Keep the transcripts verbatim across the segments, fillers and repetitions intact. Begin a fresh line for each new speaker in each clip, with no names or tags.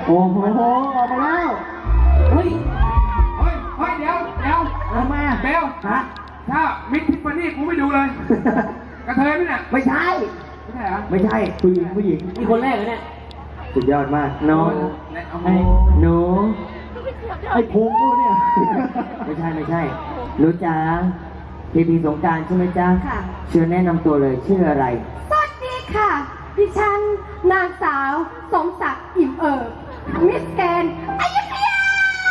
โอ้โหออกมาแล้วเฮ้ย
เฮ้ยเฮ้ยเดี๋ยวเดี๋ยว
ทำไมอ่ะ
เบล
ฮะ
ถ้ามิดทิฟฟานี่กูไม่ดูเลยกระเทยไหมเนี่ย
ไม่ใช่
ไม่ใช่เหรอ
ไม่ใช่ผู้หญิงผู้หญิง
มีคนแรกเหรอเนี่ย
สุดยอดมากน้อง
ไอ้
หนูไอ้พุงกูเนี่ยไม่ใช่ไม่ใช่หนูจ๋าพีพีสงการใช่ไหมจ๊ะค่ะเชิญแนะนำตัวเลยชื่ออะไร
สวัสดีค่ะดิฉันนางสาวสมศักดิ์อิ่มเอิบมิสแกรนด์อยุธยา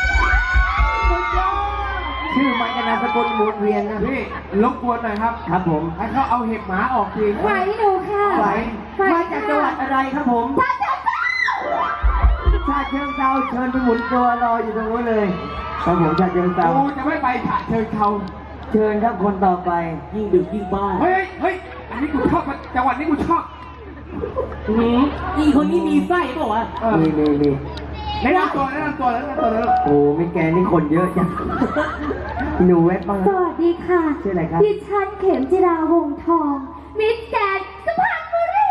ชื่อมันกับนามสกุลหมุนเวียนนะ
พี่รบกวนหน่อยครับ
ครับผม
ให้เขาเอาเห็บหมาออกที
ไหวหนูค่ะ
ไหวมาจากจังหวัดอะไรครับผม
ชาเชิงเทรา
ชาเชิงเทราเชิญไปหมุนตัวรออยู่ตรงนู้นเลยครับผมชาเชิงเทรา
กูจะไม่ไปฉะเชิงเทรา
เชิญครับคนต่อไป
ยิ่งดึกยิ่งบ้า
เฮ้ยเฮ้ยอันนี้กูชอบจังหวัดนี้กูชอบ
หืมอีคนนี้มีไส้เปล่าวะ
มีมีมี
แนะนำตัวแนะนำตัวแนะนำตัวแล้ว
โอ้ไม่แกนี่คนเยอะจังหนูเว็บบ้าง
สวัสดีค่ะ
ชื่ออะไรครับ
ดิฉันเข็มจิราวงศ์ทองมิสแกรนด์สุพรรณบุรี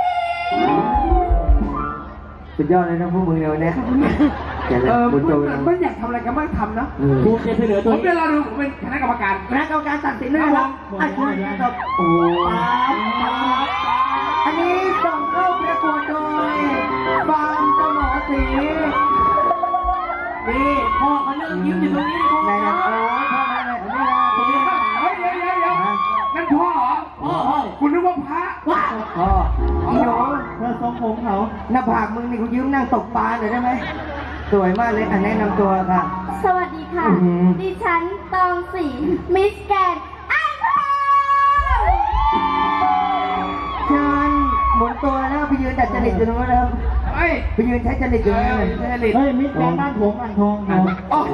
สุดยอดเลยนะพวกมึงเนี่ยวันนี้
เออมึงไม่อยากทำอะไรกันไม่ทำนะ
กูจะเสนอตัว
ผมเป็นเราดูผมเป็นคณะกรรมการ
คณะกรรมการตัดสินด้วยนะครับอันนี้ครับโอ้อันนี้ส่งเข้าประกวดโดยฟาร์มสมอสี
นี่พ่อเขาเลิกยิ้มอยู่ตรงนี้พ่อ
ไหนนะโอ้ยพ่อไหนไหนอันนี้นะ
เฮ้ยเดี๋ยวเดี๋ยวเดี๋ยวนั่นพ่อเหรอ
พ่อพ่อ
คุณนึกว่าพระ
ว้า
พ่ออีโหเธอทรงผมเขาหน้าผากมึงนี่กูยืมนั่งตกปลาหน่อยได้ไหมสวยมากเลยอันแนะนำตัวค่ะ
สวัสดีค่ะดิฉันตองศรีมิสแกรนด์อ่างทอง
เชิญหมุนตัวแล้วไปยืนดัดจริตอยู่ตรงนั้นแล้ว
เฮ้ย
ไปยืนใช้จริตอยู่ตรงนั้นเลยเฮ้ยมิสแกรนด์บ้านผมอ่างทองครับ
โอ้โห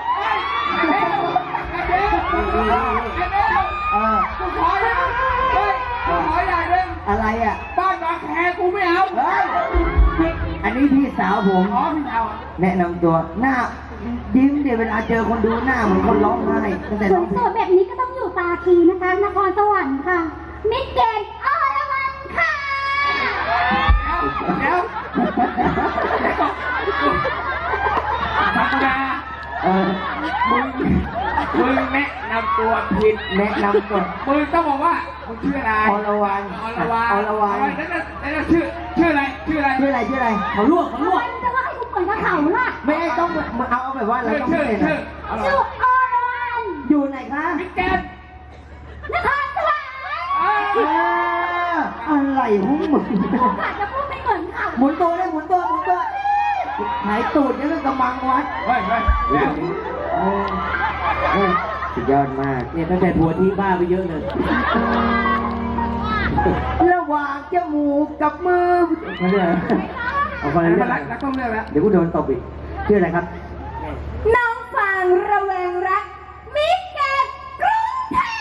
เออ
กูขอนะเฮ้ยกูขออย่างหนึ่ง
อะไรอ่ะ
บ้านบางแคกูไม่เอา
เฮ้ยอันนี้พี่สาวผม
อ๋อพี่สาว
แนะนำตัวหน้ายิ้มเดี๋ยวเวลาเจอคนดูหน้าเหมือนคนร้องไห้ตั้งแต่ร้องเพลง
สวยๆแบบนี้ก็ต้องอยู่ตาคีนะคะนครสวรรค์ค่ะมิสแกรนด์อรวรรณค่ะ
เดี๋ยวธรรมดา
เออ
มึงมึงแนะนำตัวผิด
แนะนำตัว
มึงต้องบอกว่ามึงชื่ออะไร
อรวรรณ
อรวรรณ
อรวรรณ
นั่นนั่นนั่นชื่อชื่ออะไรชื่ออะไร
ชื่ออะไรชื่ออะไร
เขาลวกเขาลวก
จะว่าให้กูเปิดกระเขาล่ะ
ไม่ต้องมาเอาเอาแบบว่าเราต้อง
ชื่อ
เป็น
ชื่อ
ชื่ออรวรรณ
อยู่ไหนคะ
มิสแกรนด์
นครสวรรค์
อะไรหุ้มมึง
อาจจะพูดไม่เหมือนเขา
หมุนตัวเลยหมุนตัวหมุนตัวหายตูดยังกำมังวัด
เฮ้ยเฮ้ย
เฮ้ยสุดยอดมาก
เนี่ยตั้งแต่ผัวทิ้งบ้าไปเยอะเลย
ระหว่างจมูกกับมือมาเลยเอาคนละเรื่อง
รักต้องเลือกแล้ว
เดี๋ยวกูโดนตบอีกชื่ออะไรครับ
น้องฟางระแวงรักมิสแกรนด์กรุงเทพ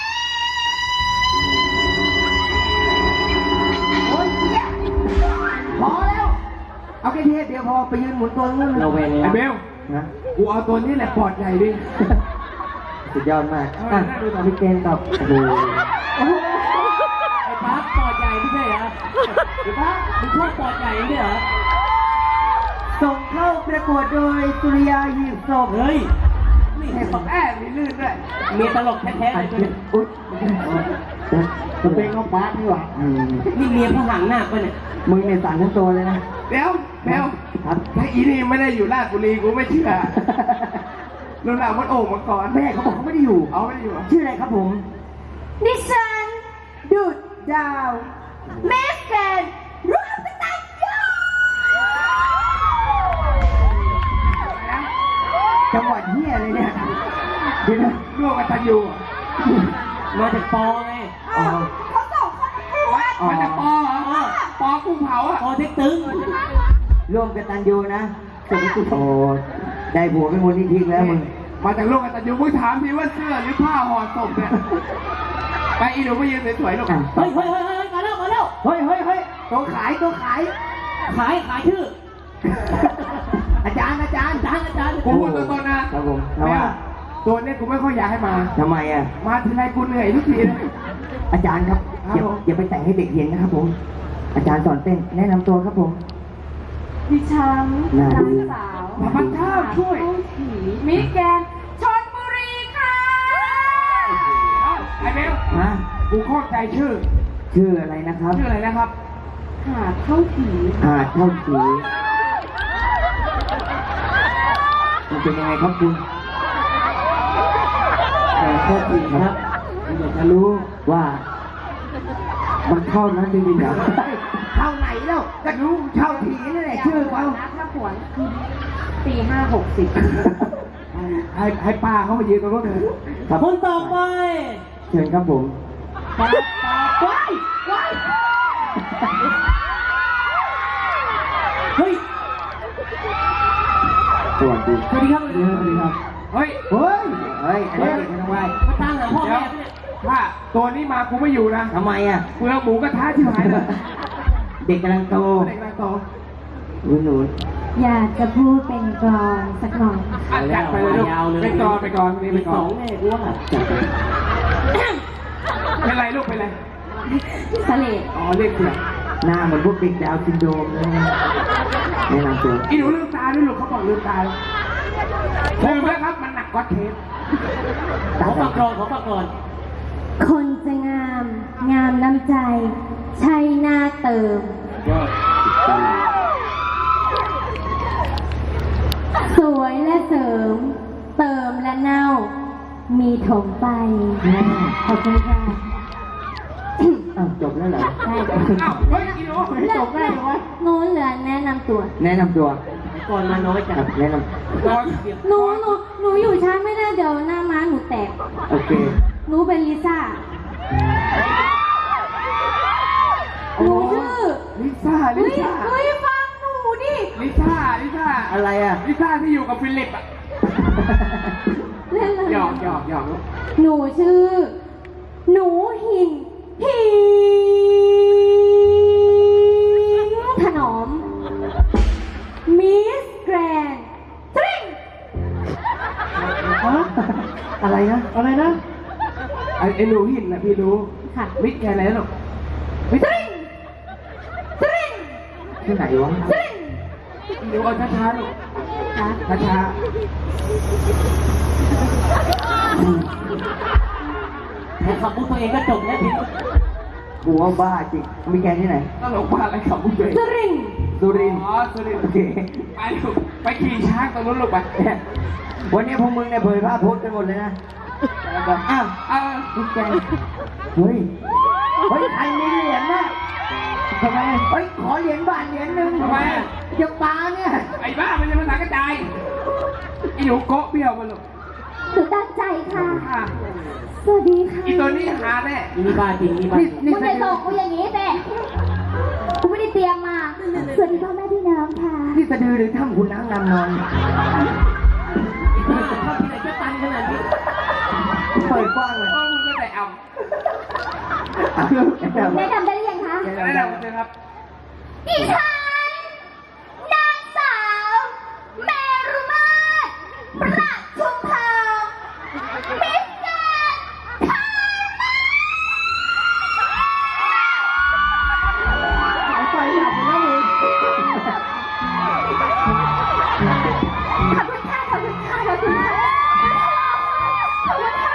โอ๊ยพอแล้วเอาแค่เทปเดียวพอไปยืนหมุนตัวนู้น
เราเวร
ไอ้เบล
นะ
กูเอาตัวนี้แหละปอดใหญ่ดิ
สุดยอดมากอ่ะมิเกนตอบโอ้โห
ไอ้ปั๊บปอดใหญ่ไม่ใช่เหรอไอ้ปั๊บมึงชอบปอดใหญ่ไม่ใช่เหรอ
ส่งเข้าประกวดโดยสุริยาหีบศพ
เฮ้ย
นี่แอบแอบมีลื่นด้วย
มีตลกแท้ๆเลยตัวนี้
อุ๊ยจะเป็นข้าวปลาที่หว่า
นี่เมียผู้หังหน้าป่ะเนี่ย
มึงเนี่ยสั่นทั้งตัวเลยนะ
เดี๋ยวเดี๋ยวถ้าอีนี่ไม่ได้อยู่ราชบุรีกูไม่เชื่อรุ่นหลังมันโอ่งมาก่อน
แม่เขาบอกเขาไม่ได้อยู่
เอาไม่ได้อยู่
ชื่ออะไรครับผม
ดิฉันดุดดาวแม่แกรนด์ร่วมกตัญญู
จังหวัดเฮียเลยเนี่ยเดี๋ยวนะ
ร่วมกตัญญู
มาจากปอไง
อ๋อเขาส่งเขา
มาจากปอเหรอปอกุ้งเผาอ่ะ
ปอเท็กตึง
ร่วมกตัญญูนะสุดโอ้ได้ผัวเป็นคนที่ทิ้งแล้วมึง
มาจากร่วมกตัญญูมึงถามพี่ว่าเสื้อหรือผ้าห่อศพเนี่ยไปอีหนูไปยืนสวยๆลูก
เฮ้ยเฮ้ยเฮ้ยเฮ้ยมาแล้วมาแล้ว
เฮ้ยเฮ้ยเฮ้ยตัวขายตัวขาย
ขายขายชื่อ
อาจารย์อาจารย์อาจารย์อาจารย์
กูพูดตัวตนนะครับ
ผมทำไม
ตัวนี้กูไม่ค่อยอยากให้มา
ทำไมอ่ะ
มาทีไรกูเหนื่อยทุกทีเลย
อาจารย์ครับอย่าอย่าไปแต่งให้เด็กเห็นนะครับผมอาจารย์สอนเต้นแนะนำตัวครับผม
ดิฉันนางสาว
ธรรมชาติช่วย
มิสแกรนด์ชลบุรีค่ะ
เอ้าไอ้เบล
ฮะ
กูเข้าใจชื่อ
ชื่ออะไรนะครับ
ชื่ออะไรนะครับ
หาดเท่าผี
หาดเท่าผีมันเป็นยังไงครับคุณหาดเท่าผีครับผมอยากจะรู้ว่า มันเท่านั้นจริงๆเหรอ
เท่าไหนแล้วก็รู้เท่าผีนั่นแหละชื่อเขา
ถ้าผวนตีห้าหกสิบ
ให้ให้ป้าเขามายืนตรงนู้นเลย
ครับ
คนต่อไป
เชิญครับผม
ปาปาว้ายว้ายเฮ้ย
สวัสดี
สวัสดีครับ
สวัสดีครับ
เฮ้ย
เฮ้ย เฮ้ย อันนี้เด็กไม่ต้องไหว
มาตามหาพ่อ
เดี๋ยว
แม่ปะเนี่ย
ถ้าตัวนี้มากูไม่อยู่นะ
ทำไมอ่ะ
เปลือกหมูกระทะที่หายเลย
เด็กกำลังโต
เด็กนางโต
หนูหนู
อยากจะพูดเป็นกลอนสักหน่อย
อ่ะจัดไปเลยลูก
ยาวเลย
ไปก่อนไปก่อนนี่ไป
มี
ก่
ส
อ
อน งแน่กูว่า
จัดไป
เป็นไรลูกเป็นไร
สเลด
อ๋อเรียกเสียง
หน้าเหมือนพวกเด็กดาวน์ซินโดรมเลยนะแนะนำตัว
อีหนูลืมตาด้วยลูกเขาบอกลืมตาลืมแล้วครับมันหนักกว่าเทป
ขอฝากกรอนขอฝากกรอน
คนจะงาม งามน้ำใจ ใช่หน้าเติม สวยและเสริม เติมและเน่า มีถมไป ขอบคุณค่ะ
อ้าวจบแล้วเหรอ
ได้
อ้าวเฮ้ยอีหนู
จบแล้วหนูเหลือแนะนำตัว
แนะนำตัว
ก่อนมาน้อยจั
ครั
ง
บแนะน
ก่อน
หนูหนูหนูอยู่ช้าไม่ได้เดี๋ยวหน้าม้าหนูแตก
ำโอเค
หนูเป็นลิซ่า หนูชื่อ
ลิซ่าลิ
เฮ้ย
ซ่า
เฮ้ยฟังหนูดิ
ลิซ่าลิซ่า
อะไรอ่ะ
ลิซ่าที่อยู่กับฟิลิปอ่ะ
เล่นเลย
หยอกหยอกหยอกลูก
หนูชื่อ หนูหินหินถนอม มิสแกรนด์ทริง
ฮะอะไรนะ อะไรนะ
ไอ้ไอ้หนูหินนะพี่รู้
ค่ะ
มิดแกอะไรนะลูกมิด
ทริงทริง
ที่ไหนวะ
ทริง
หนูเอาช้าๆลูก
ค่ะ
ช้า
แค่ขับมุกตัวเองก็จบแล้วพี่
กูว่าบ้าจริง มีแกที่ไหน
ๆต้องหลงบ้าอะไรขับมุกเลย
ทริง
สุรินทร์
อ๋อสุรินทร์
โอเค
ไปลูกไปขี่ช้างตรงนู้นลูกไป
วันนี้พวกมึงเนี่ยเผยภาพโพสต์กันหมดเลยนะอ้าว
เออ
พี่แกเฮ้ย เฮ้ย ใครมีเหรียญนะทำไม เฮ้ย ขอเหรียญบาทเหรียญหนึ่ง
ทำไมอะ
จะปาเนี่ย
ไอ้บ้ามันจะภาษากระจายไอ้หนูโกะเบี้ยวมาลูก
หนูตั้งใจค่ะ
ค่ะ
สวัสดีค่ะ
อีตัวนี้หาแน่
นี่บ้าจริงนี่บ้าจริง
นี่
มึงจะส่งกูอย่างนี้แต่กูไม่ได้เตรียมมา สวัสดีพ่อแม่พี่น้องค่ะ
นี่สะดือหรือถ้ำคุณนั่งนำนอน
ภาพที่ไหนจะตันขนาดนี้
เปิดกว้างเลย
โอ้มึงก็ได้เอา
อ่ะแนะนำ
แนะนำได้หรือยังคะ
แนะนำเลยครับ
ดิฉันนางสาวเมรุมาตรประชุมทองมิสแกรนด์ไทย
ไฟดับแล้วมึง
ขอบคุณค่ะขอบคุณค่ะขอบคุณค่ะขอบคุณค่ะ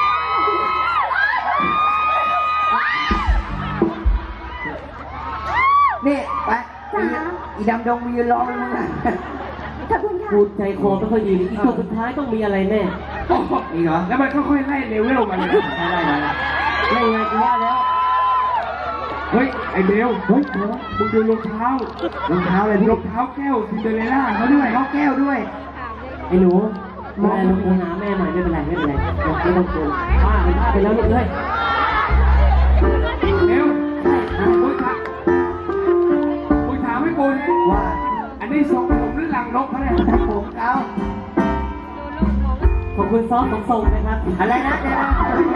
นี่ไปอีดำดงมียืนรอมึงนะ
ขอบคุณค่ะ
พูดใจคอไม่ค่อยดีอีกตัวสุดท้ายต้องมีอะไรแน่
นี่เหรอ
แล้วมันค่อยๆไล่เลเวลมันเลย
ไม่ได้มาแล้วไม่ไงกูว่าแล้ว
เฮ้ย ไอ้เบล
เฮ้ยเหรอ
มึงดูรองเท้าร
องเท้าอะไรพี่
รองเท้าแก้วซินเดอเรลล่าเขาด้วย
เขาแก้วด้วย
ไอ้หนูแม่ลูกหาแม่ใหม่ไม่เป็นไรไม่เป็นไรไม่ต้องกลัวป้าเป็นป้าไปแล้วลูกเอ้ย
เบลมึงถามมึงถามให้กูนะ
ว่า
อันนี้ทรงผมหรือหลังนกเขาเนี่ย
ผมเขา
ขอบคุณซอฟของทรงนะครับ
อะไรนะเดี๋ยวนะ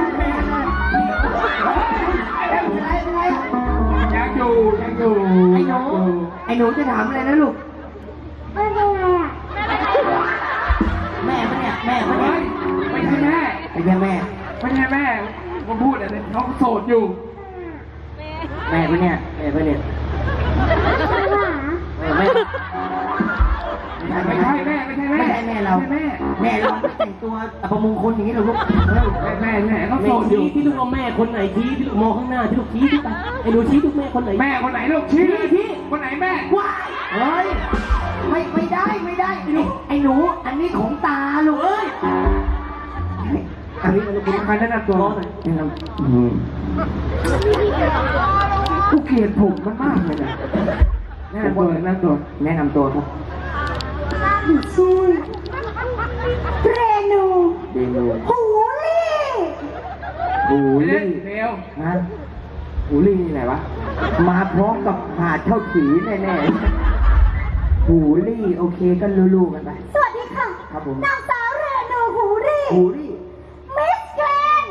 อะไรอะไร
ยังอยู่ยังอยู่
ไอ้หนูไอ้หนูจะถามอะไรนะลูก
ไม่เป็นไรอ่ะ
แม่ปะเนี่ยแม่ปะเนี่
เฮ้
ย
ยไม่ใช่แม่
ไม่ใช่แม่
ไม่ใช่แม่มาพูดอะไรเขาโสดอยู่
แม่ปะเนี่ย
แม่ไปเนี่ย
ไม่หา
เออแม่
ไม่ใช่ไม่ใช่
ใช่แม่ไม่ใช่แม่
ไม่ใช่แม่เรา
ไม่ใช่แม่
แม่เราไม่แต่งตัวอัปมงคลอย่างนี้หรอกลูก
แม่แม่แม่เขา
แม่
โสดอยู่
ชี้ที่ลูกเอาแม่คนไหนชี้ที่ลูกมองข้างหน้าที่ลูกชี้ที่ไปไอ้หนูชี้ทุกแม่คนไหน
แม่คนไหนลูกชี้
ชี้
คนไหนแม่
ว้ายเฮ้ยไม่ไม่ได้ไม่ได้ไอ้หนูไอ้หนู อันนี้ของตาลูกเอ้ยอันนี้มันลูกคุณใครแนะนำตัว
รอหน่อย
แนะนำอืม
กูเกลียดผมมันมากเลยนะแนะนำตัวแนะนำตัว
แนะนำตัวครับ
หนูชื่อเรนู
เดนู
หูลี่
หู
เล่
ลี่
นเร็ว
ฮะหูลี่นี่ไหนวะ มาพร้อมกับหาดเท่าขีแน่ๆหูลี่โอเคก็ลู่ๆกันไป
สวัสดีค่ะ
ครับผม
นางสาวเรนูหูลี่
หูลี่
มิสแกรนด์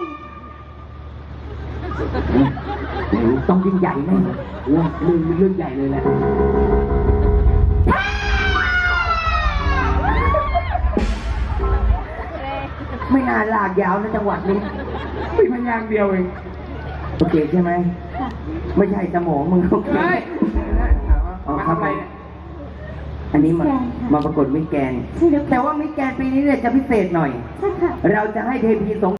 ต้องยิ่งใหญ่แน่เรื่องเรื่องเรื่องใหญ่เลยแหละ ไม่นานลากยาวนะจังหวัดนี้
มีพยางค์เดียวเอง
โอเคใช่ไหม ไม่ใช่สมองมึงโอเค
เฮ้ย
อ๋อ
มา
ครับ
ทำอะไรเนี่ย
อันนี้มามาประกวดมิสแกรนด์แต่ว่ามิสแกรนด์ปีนี้เนี่ยจะพิเศษหน่อย
ใช่ค่ะ
เราจะให้เทพีสง